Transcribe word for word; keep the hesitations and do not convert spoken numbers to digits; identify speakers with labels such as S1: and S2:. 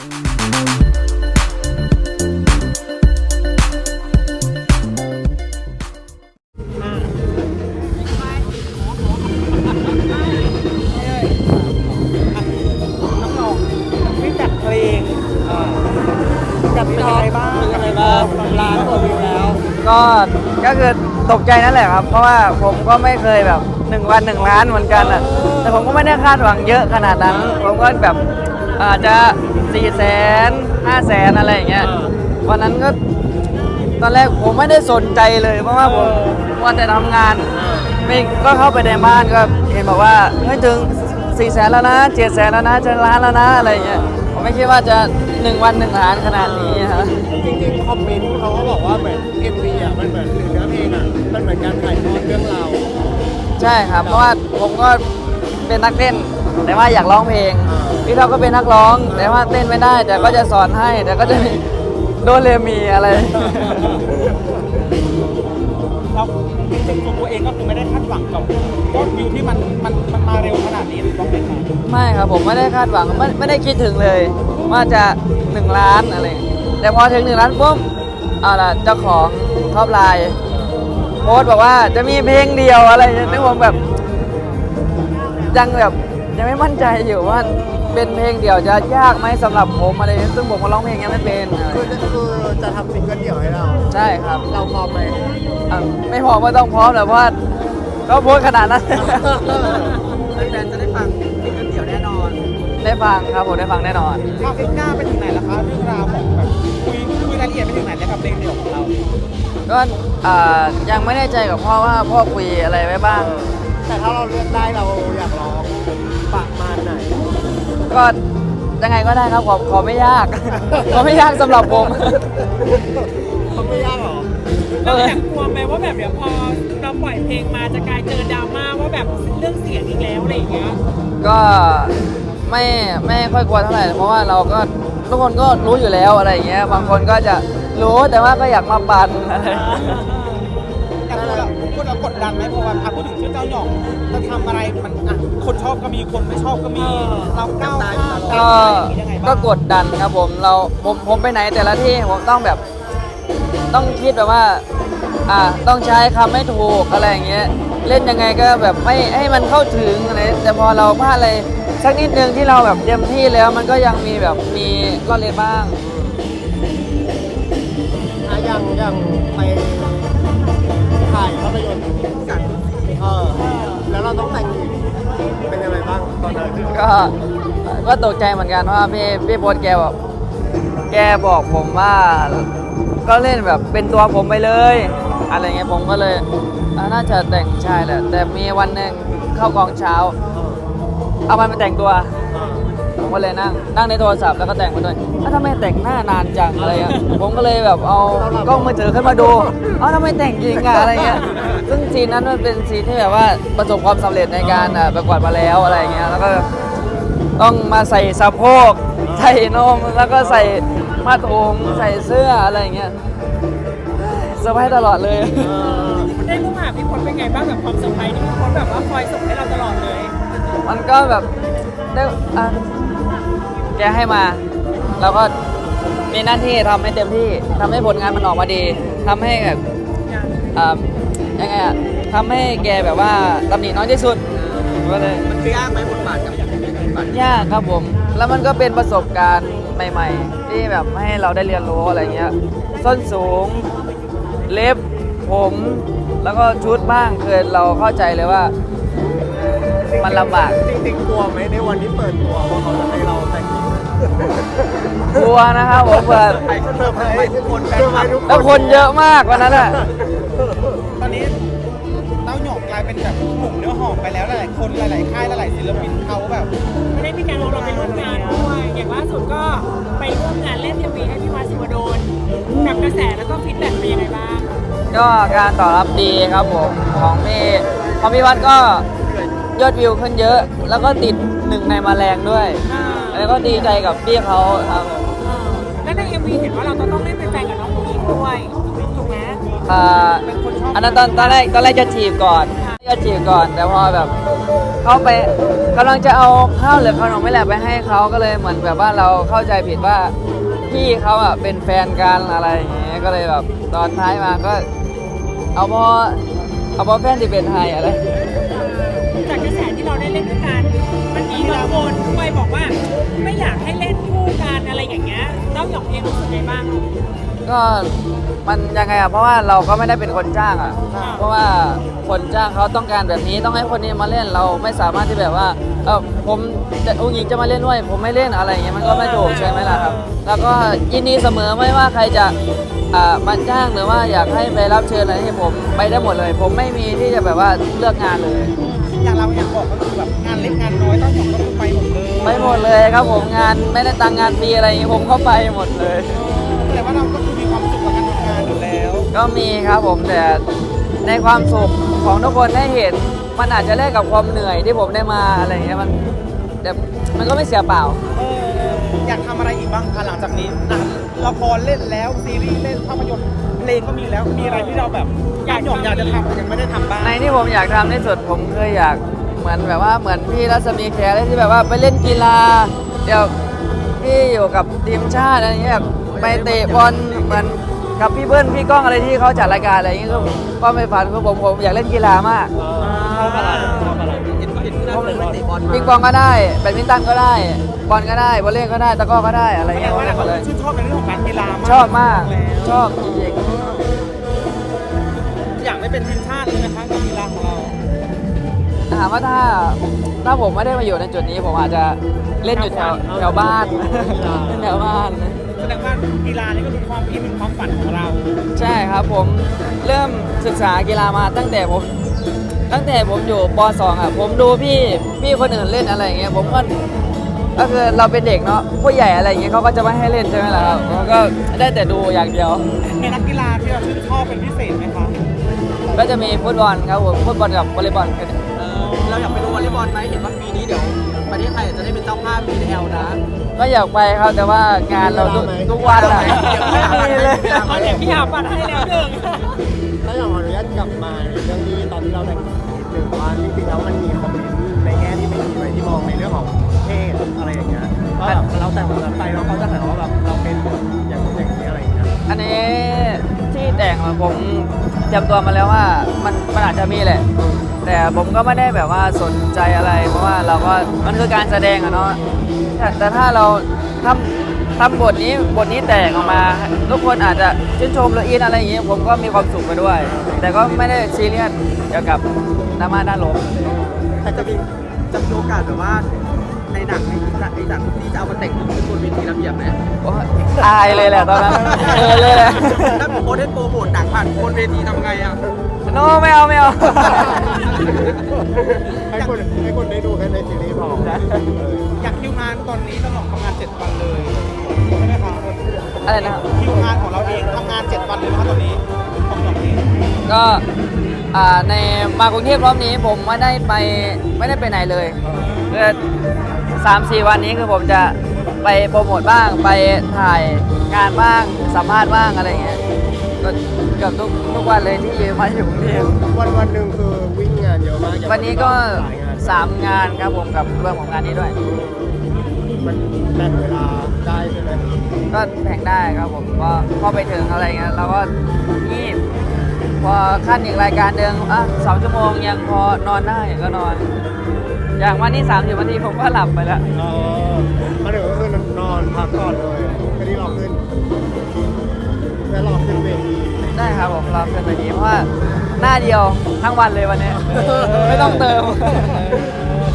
S1: ก็ก็คือตกใจนั่นแหละครับเพราะว่าผมก็ไม่เคยแบบหนึ่งวันหนึ่งล้านเหมือนกันอ่ะแต่ผมก็ไม่ได้คาดหวังเยอะขนาดนั้นผมก็แบบอาจจะสี่แสนห้าแสนอะไรอย่างเงี้ยวันนั้นก็ตอนแรกผมไม่ได้สนใจเลยเพราะว่าผมวันแต่ทำงานไม่ก็เข้าไปในบ้านก็เห็นบอกว่าไม่ถึงสี่แสนแล้วนะเจ็ดแสนแล้วนะจะล้านแล้วนะอะไรอย่างเงี้ยผมไม่คิดว่าจะหนึ่งวันหนึ่งล้านขนาดนี้ครับ
S2: จริงๆคอมเมนต์เขาก็บอกว่าเหมือน เอ็ม วี อ่ะมันเหมือนเนื้อเพลงอ่ะมันเหมือนการถ่ายทอดเรื่องราว
S1: ใช่ครับเพราะว่าผมก็เป็นนักเต้นแต่ว่าอยากร้องเพลงพี่เขาก็เป็นนักร้องแต่ว่าเต้นไม่ได้แต่ก็จะสอนให้แต่ก็จะมีโดเรมีอะไร
S3: เราจริงๆตัวเองก็คือไม่ได้คาดหวังกับยอดวิวที่มันมันมันมาเร็วขนาดนี้ถูกต้องไหมครับ
S1: ไม่ครับผมไม่ได้คาดหวังไม่ไม่ได้คิดถึงเลยว่าจะหนึ่งล้านอะไรแต่พอถึงหนึ่งล้านปุ๊บเอาล่ะเจ้าของท็อปไลน์โพสต์บอกว่าจะมีเพลงเดียวอะไรนึกว่าแบบยังแบบยังไม่มั่นใจอยู่ว่าเป็นเพลงเดี่ยวจะยากไหมสำหรับผมอะไรซึ่งผมก็ร้องเพลงยังไม่เป็น
S2: คือคือจะทำซิงเกิลเดี่ยวให้เรา
S1: ใช่ครับ
S2: เราพร้อมไหม
S1: ไม่พร้อมก็ต้องพร้อมแหละเพราะว่าก็โพสต์ขนาดนั้น
S3: แฟนจะได้ฟังซิงเกิลเดี่ยวแน่นอน
S1: ได้ฟังครับผมได้ฟังแน่นอน
S3: ความคืบหน้าไปถึงไหนแล้วคะเรื่องราวของแบบคุยคุยรายละเอียดไปถึงไหนแล้วกับเพลงเดี่ยวของเรา
S1: ก็ยังไม่แน่ใจกับพ่อว่าพ่อคุยอะไรไว้บ้าง
S2: แต่ถ้าเราเลือกได้เราอยากร้องประมาณไหน
S1: ก็ยังไงก็ได้ครับขอขอไม่ยากขอไม่ยากสำหรับผม
S2: เขาไม่ยากหรอ
S3: เราอยากกลัวไหมว่าแบบเดี๋ยวพอเราปล่อยเพลงมาจะกลายเจอดราม่าว่าแบบเรื่องเสียงอีกแล้วอะไรอย่างเงี้ย
S1: ก็ไม่ไม่ค่อยกลัวเท่าไหร่เพราะว่าเราก็ทุกคนก็รู้อยู่แล้วอะไรอย่างเงี้ยบางคนก็จะรู้แต่ว่าก็อยากมาปั่น
S3: แต่พวกเราพวกเรากดดันไหมเพราะว่าพูดถึงชื่อเจ้าหยองจะทำอะไรมันอ่ะคนชอบก็มีคนไม่ชอบก็มีเราก้าวข้าม
S1: ก็ก็กดดันครับผมเราผมผมไปไหนแต่ละที่ผมต้องแบบต้องคิดแบบว่าอ่าต้องใช้คำไม่ถูกอะไรอย่างเงี้ยเล่นยังไงก็แบบไม่ให้มันเข้าถึงอะไรแต่พอเราพลาดอะไรสักนิดนึงที่เราแบบเต็มที่แล้วมันก็ยังมีแบบมีล่อเล่นบ้าง
S2: อ่ะยังยังไปถ่ายภาพยนตร์กันเออแล้วเราต้องแต่งหญิงเป็นยังไงบ้างตอนนั้น
S1: ก็ก็ตกใจเหมือนกันว่าพี่พี่โบ๊ทแกบอกแกบอกผมว่าก็เล่นแบบเป็นตัวผมไปเลยอะไรเงี้ยผมก็เลยน่าจะแต่งชายแหละแต่มีวันหนึ่งเข้ากองเช้าเอามันไปแต่งตัวผมก็เลยนั่งนั่งในโทรศัพท์แล้วก็แต่งมาด้วยถ้าไม่แต่งหน้านานจังอะไรอ่ะผมก็เลยแบบเอากล้องมือถือขึ้นมาดูเอ้าทำไมแต่งจริงอะอะไรเงี้ยซึ่งซีนนั้นมันเป็นซีนที่แบบว่าประสบความสำเร็จในการประกวดมาแล้วอะไรเงี้ยแล้วก็ต้องมาใส่สะโพกใส่นมแล้วก็ใส่ผ้าถุงใส่เสื้ออะไรเงี้ยเซอร์ไพรส์ตลอดเลย
S3: ได้ผู้หาพี่พลเป็นไงบ้างแบบความเซอร์ไพรส์ที่พี่พลแบบว่าคอยส่งให้เราตลอดเลย
S1: มันก็แบบได้แกให้มาเราก็มีหน้าที่ทำให้เต็มที่ทำให้ผลงานมันออกมาดีทำให้แบบยังไงอะทำให้แกแบบว่าตำหนิน้อยที่สุดก็เลย
S3: มันยากไหมบทบาทกับอย่างนี้
S1: ยากครับผมแล้วมันก็เป็นประสบการณ์ใหม่ๆที่แบบให้เราได้เรียนรู้อะไรเงี้ยส้นสูงเล็บผมแล้วก็ชุดบ้างคือเราเข้าใจเลยว่ามันลำบาก
S2: จริงๆกลัวไหมในวันที่เปิดตัวว่าเขาจะให้เราแต่งหญิง
S1: กลัวนะครับผมเปิด
S2: ไปเซอร์ไพรส์ทุกคน
S1: แล้วคนเยอะมากวันนั้นอ่ะ
S3: ตอนนี้เต้าหยกกลายเป็นแบบกลุ่มเนื้อหอมไปแล้วหลายๆคนหลายๆค่ายหลายๆศิลปินเขาแบบไม่ได้มีการเราไปร่วมงานด้วยอย่างล่าสุดก็ไปร่วมงานเล่นเอ็มวีให้พี่วัดศิวดลกับกระแสแล้วก็ฟีดแบ็กเป็นยังไงบ้าง
S1: ก็การตอบรับดีครับผมของพี่ของพี่วัดก็ยอดวิวขึ้นเยอะแล้วก็ติดหนึ่งในมาแรงด้วยแล้วก็ดีใจกับพี่เขาครับ
S3: แล้วใน เอ็ม วี เห็นว่าเราต้องเล่นเป็นแฟนกับน้องผู้หญิงด้วยถูกไหม
S1: อ่าอันนั้นตอนตอนแรกตอนแรกจะจีบก่อนจะจีบก่อนแต่พอแบบเขาไปกำลังจะเอาข้าวหรือขนมไม่แหละไปให้เขาก็เลยเหมือนแบบว่าเราเข้าใจผิดว่าพี่เขาอ่ะเป็นแฟนกันอะไรอย่างเงี้ยก็เลยแบบตอนท้ายมาก็เอาพอเอาพอแฟนที่เป็นไทยอะไร
S3: จากกระแสที่เราได้เล่นด้วยกันมันมีบางคนด้วยบอกว่าไม่อยากให้เล่นคู่กันอะไรอย่างเงี้ยเต้าหยองเองรู้สึกไงบ้าง
S1: ก็มันยังไงอ่ะเพราะว่าเราก็ไม่ได้เป็นคนจ้างอ่ะเพราะว่าคนจ้างเขาต้องการแบบนี้ต้องให้คนนี้มาเล่นเราไม่สามารถที่แบบว่าเออผมจะอุ้งยิงจะมาเล่นด้วยผมไม่เล่นอะไรอย่างเงี้ยมันก็ไม่ถูกใช่ไหมล่ะครับแล้วก็ยินดีเสมอไม่ว่าใครจะอ่ามาจ้างหรือว่าอยากให้ไปรับเชิญอะไรให้ผมไปได้หมดเลย ผมไม่มีที่จะแบบว่าเลือกงานเลย
S3: อย่างเราอยากบอกก็คือแบบงานเล็กงานน้อยเต้าหยองก็คือไปหมดเลย
S1: ไปหมดเลยครับผมงานไม่ได้ตังค์งานฟรีอะไรอย่างงี้ผมก็ไปหมดเลย
S3: แต่ว่าเราก็คือมีความสุขกับการทำงานอยู่แล้ว
S1: ก็มีครับผมแต่ในความสุขของทุกคนได้เห็นมันอาจจะแลกกับความเหนื่อยที่ผมได้มาอะไรอย่างเงี้ยมันแต่มันก็ไม่เสียเปล่า
S3: เอออยากทำอะไรอีกบ้างคะหลังจากนี้หนังละครเล่นแล้วซีรีส์เล่นภาพยนตร์เพลงก็มีแล้วมีอะไรที่เราแบบอยากหยองอยากจะทำแต่ยังไม่ได้ทำบ้าง
S1: ในที่ผมอยากทำที่สุดผมเคยอยากเหมือนแบบว่าเหมือนพี่รัศมีแขอะไรที่แบบว่าไปเล่นกีฬาเดี๋ยวพี่อยู่กับทีมชาติอะไรเงี้ยแบบไปเตะบอลเหมือนกับพี่เบิ้ลพี่ก้องอะไรที่เขาจัดรายการอะไรอย่างเงี้ยก็ก็ไม่ฝันคือผมผมอยากเล่นกีฬามาก
S3: ชอบอะไรชอบอะไรเห็นเห็นที่นั่นเลยเตะบอล
S1: ปิงปองก็ได้แบดมินตันก็ได้บอลก็ได้วอลเลย์ก็ได้ตะกร้อก็ได้อะไร
S3: แสด
S1: เงี้
S3: ง
S1: ย
S3: ว่า
S1: เล่นหม
S3: เรา
S1: ดเลย
S3: ชื่นชอบในเรื่องของการกีฬามาก
S1: ชอบมาก
S3: แล้ว
S1: ชอบจริง
S3: อยากได้เป็นทีมชาติเลยนะคะกับกีฬาของเรา
S1: ๆถามว่าถ้าถ้าผมไม่ได้มาอยู่ในจุดนี้ผมอาจจะเล่นอยู่แถวแถวบ้านเล่นแถวบ้าน
S3: แสดงว่ากีฬานี่ก็เป็นความคิดเป็นความฝันของเรา
S1: ใช่ครับผมเริ่มศึกษากีฬามาตั้งแต่ผมตั้งแต่ผมอยู่ป .สอง อ่ะผมดูพี่พี่คนอื่นเล่นอะไรอย่างเงี้ยผมก็ก็คือเราเป็นเด็กเนาะผู้ใหญ่อะไรอย่างเงี้ยเขาก็จะไม่ให้เล่นใช่ไหมล่ะครับผมก็ได้แต่ดูอย่างเดียว
S3: ในนักกีฬาที่เราชื่นชอบเป็นพิเศษไหมคะ
S1: ก็จะมีฟุตบอลครับผมฟุตบอลกับวอลเลย์บอลแค่นี้
S4: เราอยากไปดูวอลเลย์บอลไหมเห็นว่าปีนี้เดี๋ยวประเทศไทยจะได้เป็นเจ้าภาพ บี แอล นะ
S1: ก็อยากไปครับแต่ว่างานเราทุกทุกวันอะไม่มีเลย
S3: เอาเด็กพี่หาปัดให้แล้วหนึ่ง
S2: ถ้าอยากขออนุญาตกลับมาในเรื่องที่ตอนที่เราแต่งนิดนึงว่าจริงๆแล้วมันมีคอมเมนต์ในแง่ที่ไม่ดีไว้ที่มองในเรื่องของเพศอะไรอย่างเงี้ยว่าแบบเราแต่งแบบนั้นไปแล้วเขาจะหาว่าแบบเราเป็นอย่างนู้นอย่างนี้อะไรอย่างเงี้ย
S1: อันนี้ที่แต่งอะผมเตรียมตัวมาแล้วว่ามันมันอาจจะมีแหละ แต่ผมก็ไม่ได้แบบว่าสนใจอะไร เพราะว่าเราก็มันคือการแสดงอะเนาะแต่แต่ถ้าเราทำทำบทนี้บทนี้แตกออกมา ทุกคนอาจจะชื่นชมหรืออินอะไรอย่างเงี้ยผมก็มีความสุขไปด้วย แต่ก็ไม่ได้ซีเรียสเกี่ยวกับดราม่าด้านลบ
S4: แต่จะมีจะมีโอกาสแบบว่าในหนังในไอ้หนังที่จะเอามาแต่งขึ้นบนเวทีระเบียบไหม
S1: โอ๊ยอายเลยแหละตอนนั้นเออเลยแหละ
S4: ถ้าผมโพสต์ให้โปรโมทหนังผ่านบนเวทีทำไงอ่ะ
S1: โนไม่เอาไม่เอา
S2: ให้คนให้คนได้ดูแค่ในซีรีส์พอ
S3: อยากคิวงานตอนนี้ต้องทำงานเจ็ดวันเลยใช่ไหมคะ
S1: อะไรนะครับ
S3: คิวงานของเราเองทำงานเจ็ดวันเลยนะคะตอนนี้ของเราเอง
S1: ก็อ่าในมากรุงเทพรอบนี้ผมไม่ได้ไปไม่ได้ไปไหนเลยคือสามสี่วันนี้คือผมจะไปโปรโมทบ้างไปถ่ายงานบ้างสัมภาษณ์บ้างอะไรอย่างเงี้ยก็เกือบทุกทุกวันเลยที่มาอยู่กรุงเทพ
S2: วันวันหนึ่งคือวิ่งงานเยอะมากอย่าง
S1: วันนี้ก็
S2: หลายงาน
S1: สามงานครับผมกับเรื่องของงานนี้ด้วย
S2: มันแบ่งเวลาได้ใช่ไหม
S1: ก็แบ่งได้ครับผมก็พอไปถึงอะไรเงี้ยเราก็งีบพอขั้นอีกรายการหนึ่งอ่ะสองชั่วโมงยังพอนอนได้ก็นอน อย่างวันนี้สามสิบนาทีผมก็หลับไปแล้ว
S2: เออมาถึงก็คือนอนพักก่อนเลยไม่ได้รอขึ้นแล้วรอขึ้นเวที
S1: ได้ครับผมรอเป็นแบบนี้เพราะว่าหน้าเดียวทั้งวันเลยวันนี้ ไม่ต้องเติม